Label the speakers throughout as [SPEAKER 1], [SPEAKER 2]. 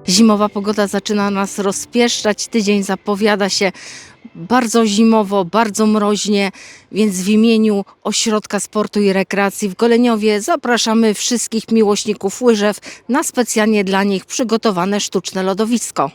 [SPEAKER 1] Zimowa pogoda zaczyna nas rozpieszczać. Tydzień zapowiada się bardzo zimowo, bardzo mroźnie, więc w imieniu Ośrodka Sportu i Rekreacji w Goleniowie zapraszamy wszystkich miłośników łyżew na specjalnie dla nich przygotowane sztuczne lodowisko.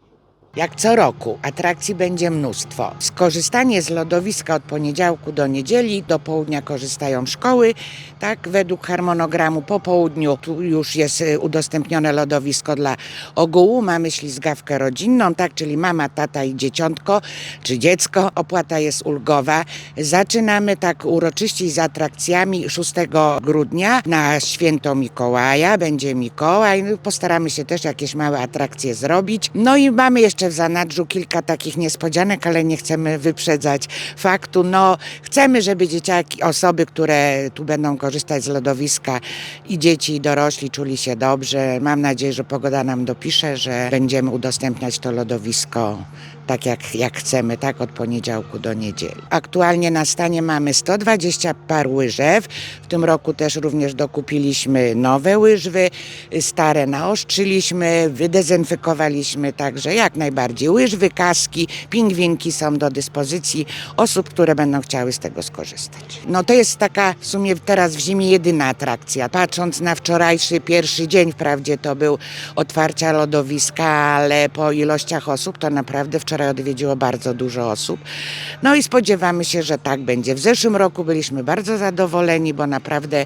[SPEAKER 2] Jak co roku, atrakcji będzie mnóstwo. Skorzystanie z lodowiska od poniedziałku do niedzieli, do południa korzystają szkoły, tak według harmonogramu. Po południu tu już jest udostępnione lodowisko dla ogółu, mamy ślizgawkę rodzinną, tak, czyli mama, tata i dzieciątko, czy dziecko. Opłata jest ulgowa. Zaczynamy tak uroczyście z atrakcjami 6 grudnia na święto Mikołaja, będzie Mikołaj, postaramy się też jakieś małe atrakcje zrobić. No i mamy jeszcze w zanadrzu kilka takich niespodzianek, ale nie chcemy wyprzedzać faktu. No, chcemy, żeby dzieciaki, osoby, które tu będą korzystać z lodowiska, i dzieci, i dorośli czuli się dobrze. Mam nadzieję, że pogoda nam dopisze, że będziemy udostępniać to lodowisko tak jak chcemy, tak od poniedziałku do niedzieli. Aktualnie na stanie mamy 120 par łyżew. W tym roku też również dokupiliśmy nowe łyżwy, stare naostrzyliśmy, wydezynfekowaliśmy, także jak najbardziej łyżwy, kaski, pingwinki są do dyspozycji osób, które będą chciały z tego skorzystać. No to jest taka w sumie teraz w zimie jedyna atrakcja. Patrząc na wczorajszy pierwszy dzień, wprawdzie to był otwarcia lodowiska, ale po ilościach osób to naprawdę wczoraj odwiedziło bardzo dużo osób. No i spodziewamy się, że tak będzie. W zeszłym roku byliśmy bardzo zadowoleni, bo naprawdę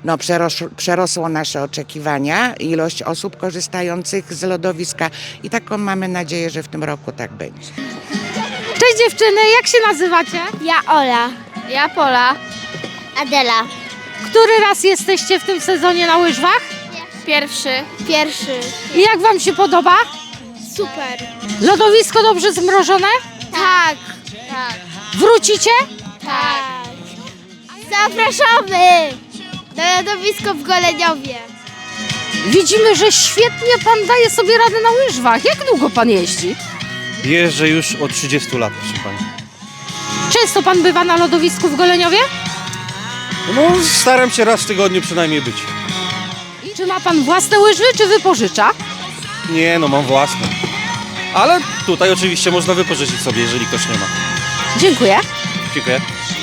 [SPEAKER 2] przerosło nasze oczekiwania ilość osób korzystających z lodowiska i taką mamy nadzieję, że w tym roku tak będzie.
[SPEAKER 1] Cześć dziewczyny, jak się nazywacie?
[SPEAKER 3] Ja Ola.
[SPEAKER 4] Ja Pola.
[SPEAKER 3] Adela.
[SPEAKER 1] Który raz jesteście w tym sezonie na łyżwach?
[SPEAKER 4] Pierwszy.
[SPEAKER 3] Pierwszy.
[SPEAKER 1] I jak wam się podoba?
[SPEAKER 3] Super.
[SPEAKER 1] Lodowisko dobrze zmrożone?
[SPEAKER 3] Tak.
[SPEAKER 1] Wrócicie?
[SPEAKER 3] Tak. Zapraszamy na lodowisko w Goleniowie.
[SPEAKER 1] Widzimy, że świetnie pan daje sobie radę na łyżwach. Jak długo pan jeździ?
[SPEAKER 5] Jeżdżę już od 30 lat, proszę pani.
[SPEAKER 1] Często pan bywa na lodowisku w Goleniowie?
[SPEAKER 5] No, staram się raz w tygodniu przynajmniej być.
[SPEAKER 1] I czy ma pan własne łyżwy, czy wypożycza?
[SPEAKER 5] Nie, no mam własne. Ale tutaj oczywiście można wypożyczyć sobie, jeżeli ktoś nie ma.
[SPEAKER 1] Dziękuję.
[SPEAKER 5] Dziękuję.